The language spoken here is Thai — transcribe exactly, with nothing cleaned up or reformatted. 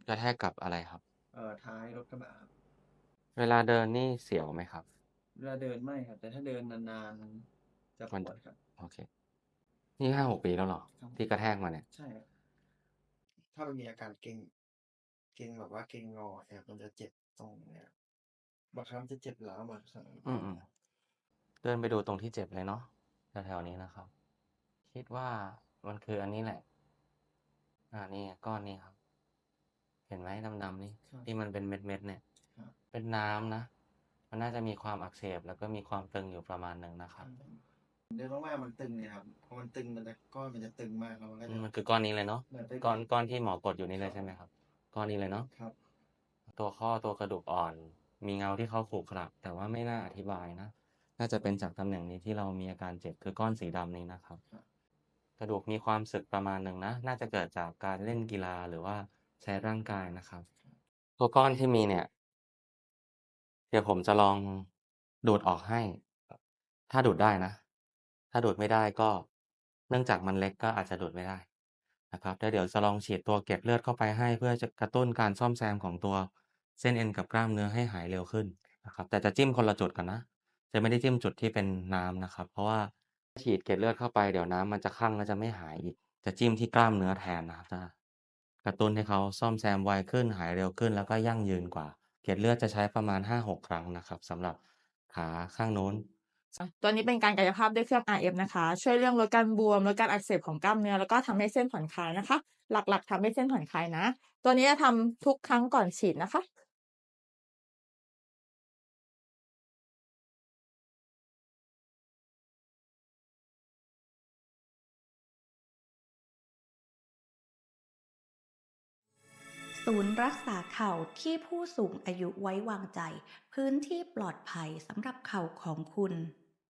กระแทกกับอะไรครับเอ่อ ท้ายรถกระบะครับเวลาเดินนี่เสียวไหมครับ? เวลาเดินไม่ครับ แต่ถ้าเดินนาน ๆ จะมันปวดครับโอเค นี่ ห้าหก ปีแล้วเหรอ? ครับที่กระแทกมาเนี่ยใช่ครับ ถ้ามันมีอาการเกร็ง เกร็งแบบว่าเกร็งงอเนี่ย มันจะเจ็บตรงเนี้ย บางครั้งมันจะเจ็บร้าวบางครั้งอืม ๆ เดินไปดูตรงที่เจ็บเลยเนาะ แถว ๆ นี้นะครับ คิดว่ามันคืออันนี้แหละ อา นี่ไง ก้อนนี้ครับ เห็นไหมดำ ๆ นี่ครับที่มันเป็นเม็ด ๆ เนี่ยครับเป็นน้ำนะ มันน่าจะมีความอักเสบ แล้วก็มีความตึงอยู่ประมาณหนึ่งนะคครัรบับผม เดินมาก ๆ มันตึงไงครับ พอมันตึงมันจะ ก้อนมันจะตึงมาก แล้วมันก็อืจมะมันคือก้อนนี้เลยเนาะเหมือนไปก้อนบิดก้อนที่หมอกดอยู่นี่ครเลยับใช่ไหผมมครับ? ก้อนนี้เลยเนาะครับตัวข้อ ตัวกระดูกอ่อน มีเงาที่เขาขรุขระ แต่ว่าไม่น่าอธิบายนะ น่าจะเป็นจากตำแหน่งนี้ที่เรามีอาการเจ็บ คือก้อนสีดำนี้นะครับครับกระดูกมีความสึกประมาณหนึ่งนะ น่าจะเกิดจากการเล่นกีฬา หรือว่าใช้ร่างกายนะครับครับตัวก้อนที่มีเนี่ย เดี๋ยวผมจะลองดูดออกให้ ถ้าดูดได้นะ ถ้าดูดไม่ได้ก็ เนื่องจากมันเล็กก็อาจจะดูดไม่ได้นะครับ แล้วเดี๋ยวจะลองฉีดตัวเกล็ดเลือดเข้าไปให้ เพื่อจะกระตุ้นการซ่อมแซมของตัวเส้นเอ็นกับกล้ามเนื้อให้หายเร็วขึ้นนะครับ แต่จะจิ้มคนละจุดกันนะ จะไม่ได้จิ้มจุดที่เป็นน้ำนะครับ เพราะว่าฉีดเกล็ดเลือดเข้าไป เดี๋ยวน้ำมันจะคั่ง แล้วจะไม่หายอีก จะจิ้มที่กล้ามเนื้อแทนนะครับ จะกระตุ้นให้เขาซ่อมแซมไวขึ้น หายเร็วขึ้น แล้วก็ยั่งยืนกว่า เกล็ดเลือดจะใช้ประมาณ ห้าหก ครั้งนะครับ สำหรับขาข้างนู้นอะ ตัวนี้เป็นการกายภาพด้วยเครื่อง อาร์ เอฟ นะคะ ช่วยเรื่องลดการบวม ลดการอักเสบของกล้ามเนื้อ แล้วก็ทำให้เส้นผ่อนคลายนะคะ หลัก ๆ ทำให้เส้นผ่อนคลายนะ ตัวนี้จะทำทุกครั้งก่อนฉีดนะคะศูนย์รักษาเข่าที่ผู้สูงอายุไว้วางใจ พื้นที่ปลอดภัยสำหรับเข่าของคุณ